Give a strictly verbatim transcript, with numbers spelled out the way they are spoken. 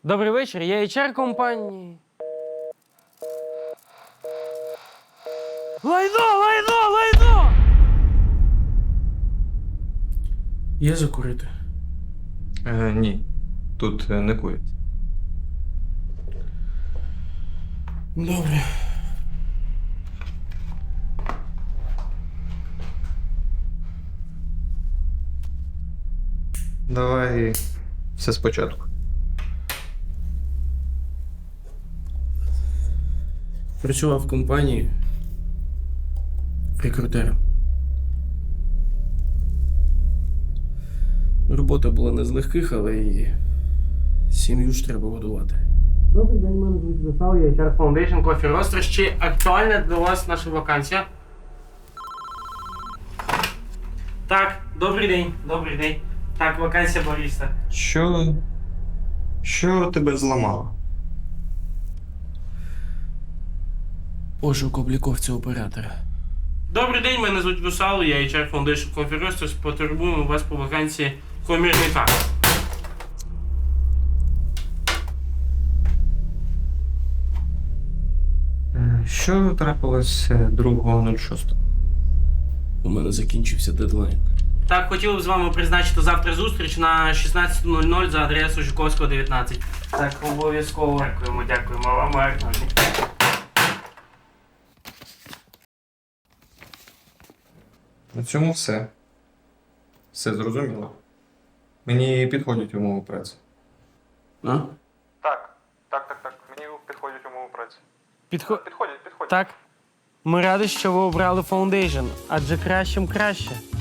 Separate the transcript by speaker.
Speaker 1: Добрий вечір, я ейч ар компанії. Лайно, лайно, лайно! Є закурити?
Speaker 2: Е, ні, тут е, не курять.
Speaker 1: Добре.
Speaker 2: Давай все спочатку.
Speaker 1: Працював в компанії рекрутером. Робота була не з легких, але і сім'ю ж треба годувати. Добрий день, мене звуть Вітал, я ейч ар Foundation Coffee Roasters. Чи актуальна для вас наша вакансія? Так, добрий день, добрий день. Так, вакансія бариста.
Speaker 2: Що. Що тебе зламало?
Speaker 1: Пошук обліковця оператора. Добрий день, мене звуть Вусал, я ейч ар Foundation Coffee Roasters. Потребуємо вас по вакансії комірний факт.
Speaker 2: Е, Що трапилось другого шостого?
Speaker 1: У мене закінчився дедлайн. Так, хотів б з вами призначити завтра зустріч на шістнадцята нуль нуль за адресою Жуковського, дев'ятнадцять. Так, обов'язково. Дякуємо, дякуємо вам, гарного дня.
Speaker 2: На цьому все. Все зрозуміло. Мені підходять умови праці.
Speaker 1: А?
Speaker 2: Так, так, так, так. Мені підходять умови праці.
Speaker 1: Підхо...
Speaker 2: Підходять, підходять.
Speaker 1: Так. Ми раді, що ви обрали Foundation, адже кращим краще.